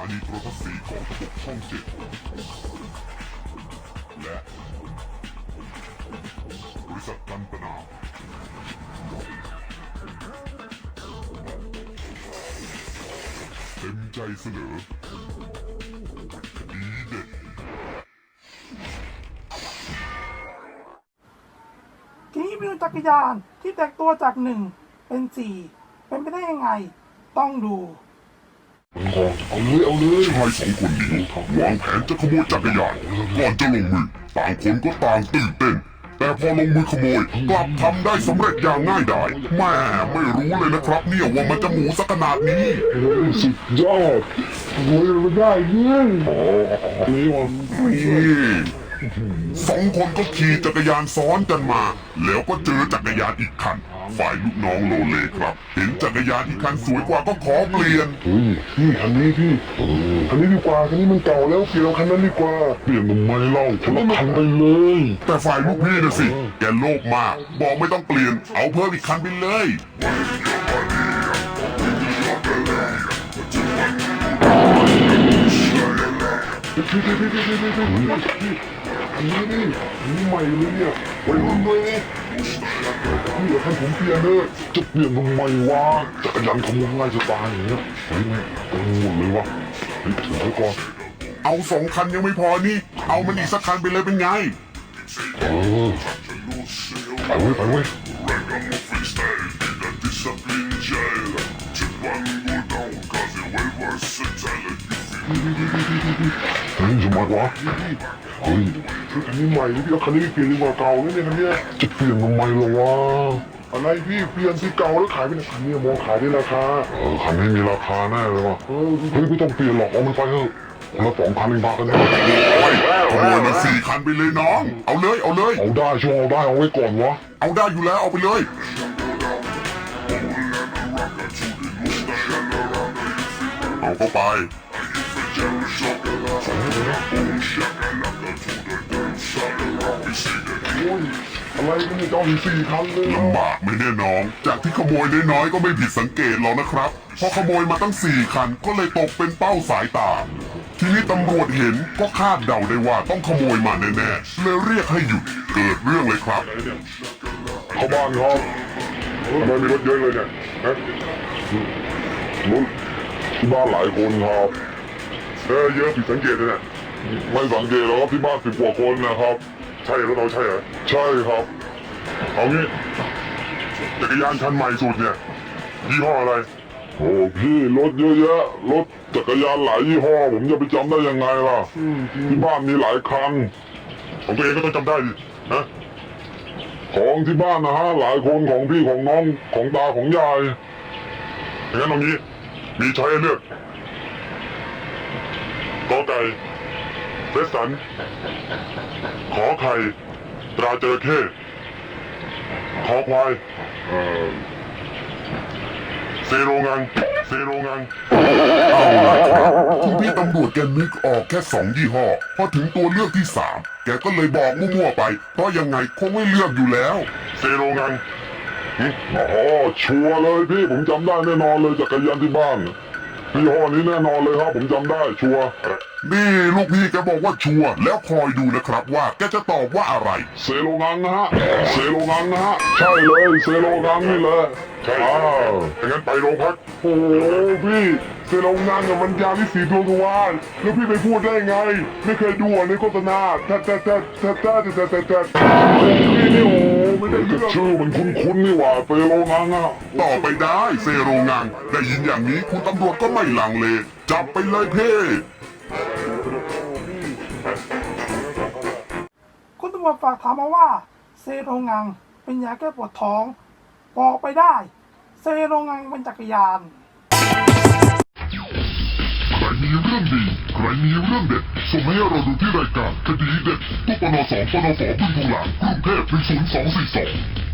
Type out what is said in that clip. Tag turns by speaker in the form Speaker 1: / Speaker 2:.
Speaker 1: นีโทรทัศน์สีของระบบช่องเจ็ดและบริษัทกันตนาเต็มใจเสนอคดีเด็ด
Speaker 2: ทีนี้วิวจักรยานที่แตกตัวจาก1เป็น4เป็นไปได้ยังไงต้องดู
Speaker 1: เอาเลยชายสองคนนี้วางแผนจะขโมยจักรยานก่อนจะลงมือต่างคนก็ต่างตื่นเต้นแต่พอลงมือขโมยกลับทำได้สำเร็จอย่างง่ายดายแม่ไม่รู้เลยนะครับเนี่ยว่ามันจะหมูสักขนาดนี้
Speaker 3: สุดยอดรวยมาได้เงี้ยนี่วะ
Speaker 1: สองคนก็ขี่จักรยานซ้อนกันมาแล้วก็เจอจักรยานอีกคันฝ่ายลูกน้องโลเลครับเห็นจักรยานอีกคันสวยกว่าก็ขอเปลี่ยน
Speaker 3: พี่คันนี้พี่คันนี้ดีกว่าคันนี้มันเก่าแล้วเปลี่ยนคันนั้นดีกว่าเปลี่ยนทำไมเล่าฉันละคันไปเลย
Speaker 1: แต่ฝ่ายลูกพี่น่ะสิแกโลภมากบอกไม่ต้องเปลี่ยนเอาเพิ่มอีกคันไปเลย
Speaker 3: อันนี้นี่ใหม่เลยเนี่ยวัยรุ่นเลยพี่เดี๋ยวท่านผมเปลี่ยนเลยจะเปลี่ยนทำไมวะจักรยานขโมยง่ายจะตายอย่างเงี้ยเฮ้ยกังวลเลยวะเฮ้ยถือไว้ก่อน
Speaker 1: เอา2 คันยังไม่พอนี่เอามันอีกสักคันไปเลยเป็นไง
Speaker 3: ไปเว้ยเฮ้ยทำไมวะเฮ้ยคันนี้ใหม่พี่เอาคันนี้เปลี่ยนดีกว่าเก่าเนี่ยคันนี้จะเปลี่ยนทำไมล่ะวะอะไรพี่เปลี่ยนสิเก่าแล้วขายไปไหนคันนี้มองขายได้ราคาคันนี้มีราคาแน่เลยวะเฮ้ยไม่ต้องเปลี่ยนหรอกเอามันไปเถอะคนละ2 คันเองบ้ากันเนี่ย
Speaker 1: ขโมยมา4 คันไปเลยน้องเอาเลย
Speaker 3: เอาได้ช่วงเอาได้เอาไว้ก่อนวะ
Speaker 1: เอาได้อยู่แล้วเอาไปเลยเอาเข้าไป
Speaker 3: อะไรก็ไม่ต้อง4 คันเลย
Speaker 1: ลำบากไม่แน่น้องจากที่ขโมยน้อยๆก็ไม่ผิดสังเกตหรอกนะครับพอขโมยมาตั้ง4 คันก็เลยตกเป็นเป้าสายตาทีนี้ตำรวจเห็นก็คาดเดาได้ว่าต้องขโมยมาแน่ๆเลยเรียกให้หยุดเกิดเรื่องเลยครับ
Speaker 3: เข้าบ้านครับทำไมมีรถเยอะเลยเนี่ยรถที่บ้านหลายคนครับเยอะผิดสังเกตเลยเนี่ยไม่สังเกตหรอกที่บ้าน10 กว่าคนนะครับใช่รถเราใช่เหรอใช่ครับเอางี้จักรยานคันใหม่สุดเนี่ยยี่ห้ออะไรโอ้พี่รถเยอะแยะรถจักรยานหลายยี่ห้อผมจะไปจำได้ยังไงล่ะที่บ้านมีหลายคันของตัวเองก็ต้องจำได้ดินะของที่บ้านนะฮะหลายคนของพี่ของน้องของตาของยายอย่างนั้นตรงนี้มีช้อยเลือกกอไก่เฟสสันขอไข่ตราจระเข้ขอควายเซโรงัง
Speaker 1: เอาล่ะครับคุณพี่ตำรวจแกนึกออกแค่2 ยี่ห้อพอถึงตัวเลือกที่3แกก็เลยบอกมั่วๆไปเพราะยังไงคงไม่เลือกอยู่แล้ว
Speaker 3: เซโรงังอ๋อชัวร์เลยพี่ผมจำได้แน่นอนเลยจักรยานที่บ้านยี่ห้อนี้แน่นอนเลยครับผมจำได้ชัวร์
Speaker 1: นี่ลูกพี่แกบอกว่าชัวร์แล้วคอยดูนะครับว่าแกจะตอบว่าอะไร
Speaker 3: เซโรงังนะฮะเซโรงังนะฮะใช่เลยเซโรงังนี่เลยใช่อย่างนั้นไปโรงพักโอ้พี่เซโรงังมันยาวิสีดวงทวารแล้วพี่ไปพูดได้ไงไม่เคยดูในโฆษณาแต่พี่นี่โอ้ไม่ได้เรื่องชื่อมันคุ้นนี่หว่าเซโรงังอ่ะ
Speaker 1: ต่อไปได้เซโรงังได้ยินอย่างนี้คุณตำรวจก็ไม่ลังเลจับไปเลยเพ่
Speaker 2: คุณตำรวจฝากถามมาว่าเซโรงังเป็นยาแก้ปวดท้องบอกไปได้เซโรงังเป็นจักรยาน
Speaker 1: ใครมีเรื่องดีใครมีเรื่องเด็ดส่งให้เราดูที่รายการคดีเด็ดตู้ปน2 ปนฝบึงทองหลางกรุงเทพ10242